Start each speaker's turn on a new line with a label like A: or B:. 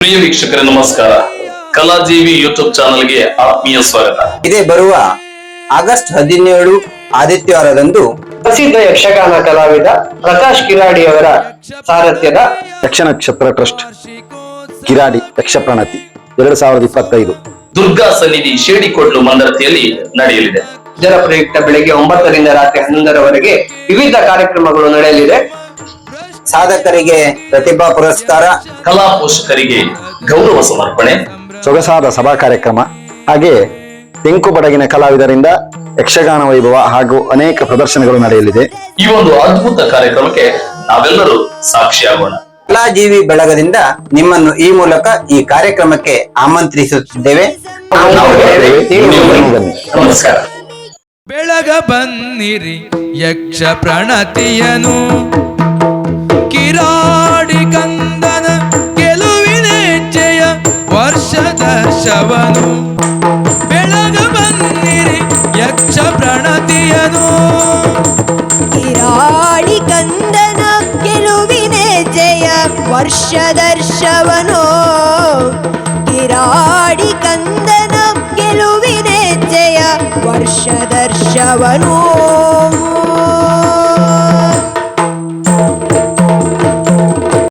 A: ಪ್ರಿಯ ವೀಕ್ಷಕರೇ ನಮಸ್ಕಾರ. ಕಲಾಜೀವಿ ಯೂಟ್ಯೂಬ್ ಚಾನೆಲ್ಗೆ ಆತ್ಮೀಯ ಸ್ವಾಗತ.
B: ಇದೇ ಬರುವ ಆಗಸ್ಟ್ 17 ಆದಿತ್ಯವಾರದಂದು
C: ಪ್ರಸಿದ್ಧ ಯಕ್ಷಗಾನ ಕಲಾವಿದ ಪ್ರಕಾಶ್ ಕಿರಾಡಿ ಅವರ ಸಾರಥ್ಯದ
D: ಯಕ್ಷ ನಕ್ಷತ್ರ ಟ್ರಸ್ಟ್ ಕಿರಾಡಿ ಯಕ್ಷ ಪ್ರಣತಿ 2025
A: ದುರ್ಗಾ ಸನ್ನಿಧಿ ಶೇಡಿಕೊಡ್ಲು ಮಂದರತಿಯಲ್ಲಿ ನಡೆಯಲಿದೆ.
C: ಇದರ ಪ್ರಯುಕ್ತ ಬೆಳಗ್ಗೆ 9 ರಿಂದ ರಾತ್ರಿ 11ರವರೆಗೆ ವಿವಿಧ ಕಾರ್ಯಕ್ರಮಗಳು ನಡೆಯಲಿದೆ.
B: ಸಾಧಕರಿಗೆ ಪ್ರತಿಭಾ ಪುರಸ್ಕಾರ,
A: ಕಲಾ ಪೋಷಕರಿಗೆ ಗೌರವ ಸಮರ್ಪಣೆ,
D: ಸೊಗಸಾದ ಸಭಾ ಕಾರ್ಯಕ್ರಮ, ಹಾಗೆ ತೆಂಕು ಬಡಗಿನ ಕಲಾವಿದರಿಂದ ಯಕ್ಷಗಾನ ವೈಭವ ಹಾಗೂ ಅನೇಕ ಪ್ರದರ್ಶನಗಳು ನಡೆಯಲಿದೆ.
A: ಈ ಒಂದು ಅದ್ಭುತ ಕಾರ್ಯಕ್ರಮಕ್ಕೆ ನಾವೆಲ್ಲರೂ ಸಾಕ್ಷಿಯಾಗೋಣ.
B: ಕಲಾಜೀವಿ ಬಳಗದಿಂದ ನಿಮ್ಮನ್ನು ಈ ಮೂಲಕ ಈ ಕಾರ್ಯಕ್ರಮಕ್ಕೆ ಆಮಂತ್ರಿಸುತ್ತಿದ್ದೇವೆ.
A: ನಮಸ್ಕಾರ.
E: ಬೆಳಗ ಬನ್ನಿರಿ ಯಕ್ಷ ಪ್ರಣತಿಯನು ಕಿರಾಡಿ ಕಂದನ ಗೆಲುವಿನ ಜಯ ವರ್ಷದರ್ಶವನು. ಬೆಳಗ ಬನ್ನಿರಿ ಯಕ್ಷ ಪ್ರಣತಿಯನು
F: ಕಿರಾಡಿ ಕಂದನ ಗೆಲುವಿನ ಜಯ ವರ್ಷದರ್ಶವನು. ಕಿರಾಡಿ ಕಂದನ ಗೆಲುವಿನ ಜಯ ವರ್ಷದರ್ಶವನು.